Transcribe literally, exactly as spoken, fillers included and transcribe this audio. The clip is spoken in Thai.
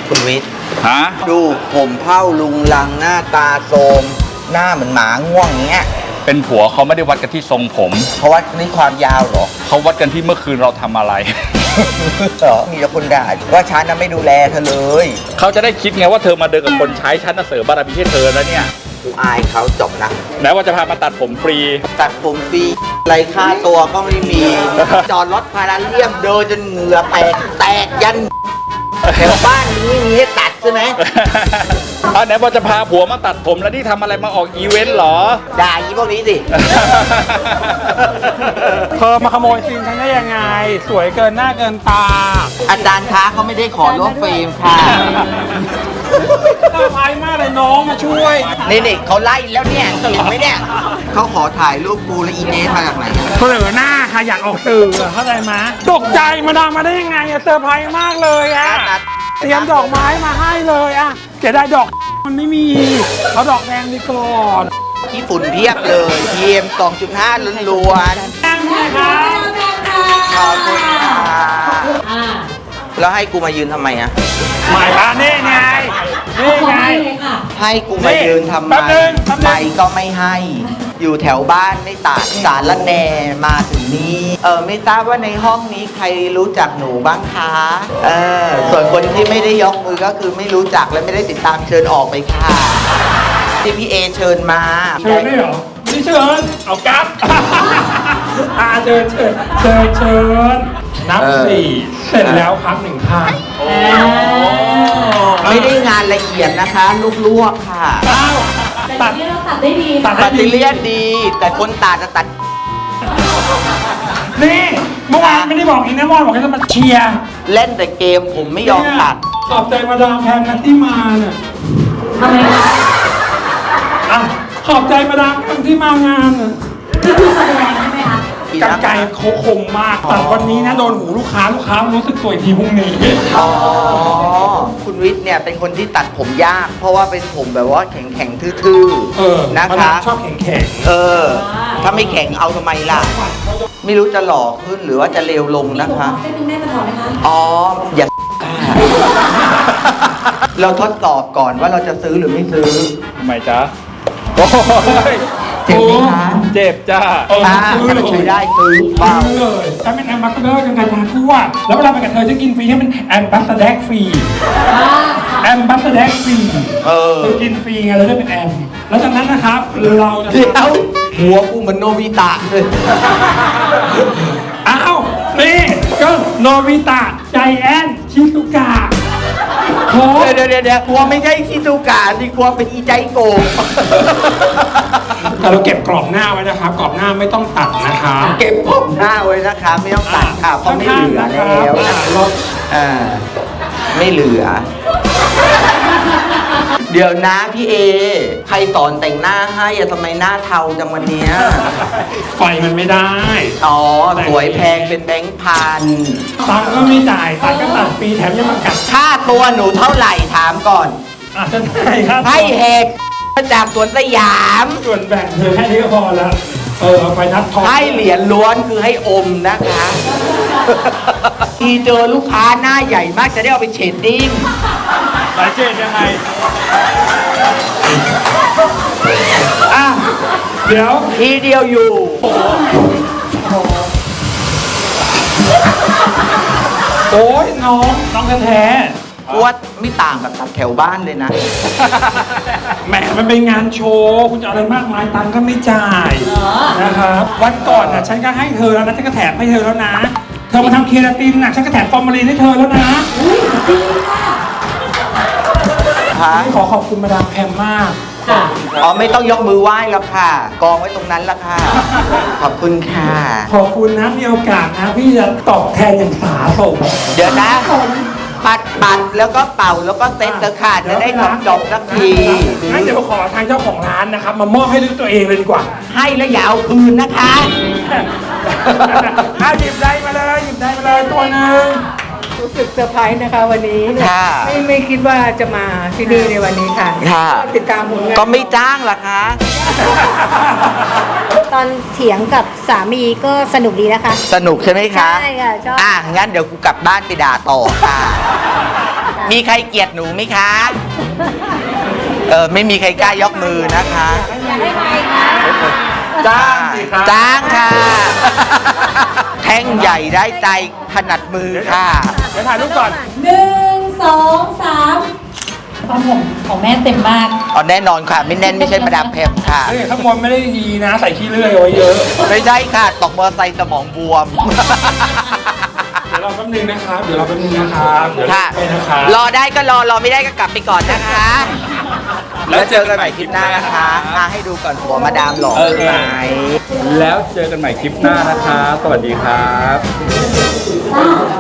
คุณวิทย์ฮะดูผมเผ้าลุงลังหน้าตาโทรมหน้าเหมือนหมาง่วงเงี้ยเป็นผัวเขาไม่ได้วัดกันที่ทรงผมเขาวัดที่ความยาวเหรอเขาวัดกันที่เมื่อคืนเราทำอะไรเหรอมีแต่คนด่าว่าฉันน่ะไม่ดูแลเธอเลยเขาจะได้คิดไงว่าเธอมาเดินกับคนใช้ฉันน่ะเสริมบารมีให้เธอแล้วเนี่ยกูอายเขาจบนะไหนว่าจะพามาตัดผมฟรีตัดผมฟรีไรค่าตัวก็ไม่มีจอดรถพาราเลียมเดินจนเหงื่อแตกแตกยันแถวบ้านนี้มีให้ตัดใช่ไหมเอาไหนว่าจะพาผัวมาตัดผมแล้วนี่ทำอะไรมาออกอีเวนต์เหรอด่าอีพวกนี้สิเธอมาขโมยซีนฉันได้ยังไงสวยเกินหน้าเกินตาอาจารย์คะเขาไม่ได้ขอร่วมเฟรมค่ะน่าพายมากเลยน้องมาช่วยนี่นี่เขาไล่แล้วเนี่ยตื่นไหมเนี่ยเขาขอถ่ายรูปกูและอีเนสมาจากไหนเสนอหน้าค่ะอยากออกสื่อเข้าใจไหมตกใจมาดามมาได้ยังไงอะเซอร์ไพรส์มากเลยอะเตรียมดอกไม้มาให้เลยอะเสียดายดอกมันไม่มีเอาดอกแดงดีก่อนที่ฝุ่นเพียบเลย พี เอ็ม สองจุดห้า ล้วนๆนั่งเลยครับขอบคุณค่ะแล้วให้กูมายืนทำไมอะหมายว่านี่ไงนี่ไงให้กูมายืนทำไมไปก็ไม่ให้อยู่แถวบ้านไม่ตัดสารละแนมาถึงนี้เออไม่ทราบว่าในห้องนี้ใครรู้จักหนูบ้างคะเออส่วนคนที่ไม่ได้ยกมือก็คือไม่รู้จักและไม่ได้ติดตามเชิญออกไปค่ะที่พี่เอเชิญมาเชิญได้เหรอไม่เชิญเอากั๊บอาเชิญเชิญเชิญเชิญนับสี่เสร็จแล้วครับหนึ่งครั้งไม่ได้งานละเอียดนะคะลวกๆค่ะตัดเลียนตัดได้ดีตัดเลียนดีแต่คนตัดจะตัดนี่เมื่อวานไม่ได้บอกอีกนะว่าบอกให้จะมาเชียร์เล่นแต่เกมผมไม่ยอมตัดขอบใจมาดามแพมนะที่มาเนี่ยทำไมคะอ่ะขอบใจมาดามแพมที่มางานน่ะนี่คือแสดงใช่ไหมคะกรรไกรเขาคมมากตัดวันนี้นะโดนหูลูกค้าลูกค้ารู้สึกสวยทีพรุ่งนี้อ๋อคุณวิทย์เนี่ยเป็นคนที่ตัดผมยากเพราะว่าเป็นผมแบบว่าแข็งแข็งทื่อๆนะคะชอบแข็งแข็งเออถ้าไม่แข็งเอาทำไมล่ะไม่รู้จะหล่อขึ้นหรือว่าจะเลวลงนะคะเส้นหนึ่งได้มาถอดไหมคะอ๋ออย่าเราทดสอบก่อนว่าเราจะซื้อหรือไม่ซื้อทำไมจ๊ะโอ้ยเจ็บไหมคะเจ็บจ้าเออซื้อเลยซื้อได้ซื้อเปล่าเลยฉันเป็นแอมบาสเดอร์กันการทางทั่วแล้วเวลาไปกับเธอจะกินฟรีให้เป็นแอมบาสเดอร์ฟรีแอมบาสเดอร์ฟรีเออกินฟรีไงเราได้เป็นแอมแล้วจากนั้นนะครับเราจะเดี๋ยวหัวกูเหมือนโนบิตะเลยอ้าวนี่ก็โนบิตะใจแอนชิซุกะเดี๋ยวเดี๋ยวเดี๋ยวกลัวไม่ใช่ชิซูกะสิกลัวเป็นอีใจโกงแต่เราเก็บกรอบหน้าไว้นะครับกรอบหน้าไม่ต้องตัดนะคะเก็บกรอบหน้าไว้นะคะไม่ต้องตัดค่ะเพราะไม่เหลือแล้วอ่าไม่เหลือเดี๋ยวนะพี่เอใครสอนแต่งหน้าให้อะทำไมหน้าเทาจังวันนี้ไฟมันไม่ได้อ๋อสวยแพงเป็นแบงค์พันตังก็ไม่จ่ายตังก็ตัดฟรีแถมยังมากัดค่าตัวหนูเท่าไหร่ถามก่อนอ่ะจะได้ครับให้แหกจากสวนสยามส่วนแบ่งเธอแค่นี้ก็พอแล้วเออเอาไปนับทองให้เหรียญล้วนคือให้อมนะคะทีเจอลูกค้าหน้าใหญ่มากจะได้เอาไปเชดดิ้งหลายเชดยังไงอ่ะเดี๋ยวทีเดียวอยู่โอ้ยน้องน้องแท้ๆวัดไม่ต่างกับตัดแถวบ้านเลยนะแหมมันเป็นงานโชว์คุณจะอะไรมากมายตังก็ไม่จ่ายนะครับวันก่อนน่ะฉันก็ให้เธอแล้วนะฉันก็แถมให้เธอแล้วนะเธอมาทำเคราตินน่ะฉันก็แถมฟอร์มาลีนให้เธอแล้วนะขอขอบคุณมาดามแพมมากอ๋อไม่ต้องยกมือไหว้แล้วค่ะกองไว้ตรงนั้นละค่ะขอบคุณค่ะขอบคุณนะมีโอกาสนะพี่จะตอบแทนอย่างสาสมเดี๋ยวนะปัดปัดแล้วก็เป่าแล้วก็เซ็ตเธอค่ะจะได้จบจบสักทีงั้นเดี๋ยวขอทางเจ้าของร้านนะครับมามอบให้ด้วยตัวเองเลยดีกว่าให้แล้วอย่าเอาคืนนะคะถ้าหยิบได้มาเลยหยิบได้มาเลยตัวหนึ่งรู้สึกเซอร์ไพรส์นะคะวันนี้ไม่ไม่คิดว่าจะมาที่นี่ในวันนี้ค่ะติดตามผลงานก็ไม่จ้างหรอคะตอนเถียงกับสามีก็สนุกดีนะคะสนุกใช่ไหมคะใช่ค่ะชอบอ่ะงั้นเดี๋ยวกูกลับบ้านไปด่าต่อค่ะมีใครเกลียดหนูไหมคะ เออไม่มีใครกล้ายกมือนะคะอยากได้ไหมคะจ้างสิครับจ้างค่ะ แท่งใหญ่ได้ใจถนัดมือค่ะเดี๋ยวถ่ายรูปก่อนหนึ่งสองสามความผมของแม่เต็มมากเอาแน่นอนค่ะ ไม่แน่นไม่ใช่มาดามแพมค่ะเฮ้ยข้างบนไม่ได้ดีนะ ใส่ขี้เลื่อยเอาไว้เยอะไม่ใช่ค่ะ ตกมอเตอร์ไซค์สมองบวมเดี๋ยวรอแป๊บนึงนะครับ เดี๋ยวรอแป๊บนึงนะครับ เดี๋ยวค่ะไปนะครับรอได้ก็รอ รอไม่ได้ก็กลับไปก่อนนะคะ แล้วเจอกันใหม่คลิปหน้านะคะมาให้ดูก่อนหัวมาดามหล่อเออไหมแล้วเจอกันใหม่คลิปหน้านะคะ สวัสดีครับ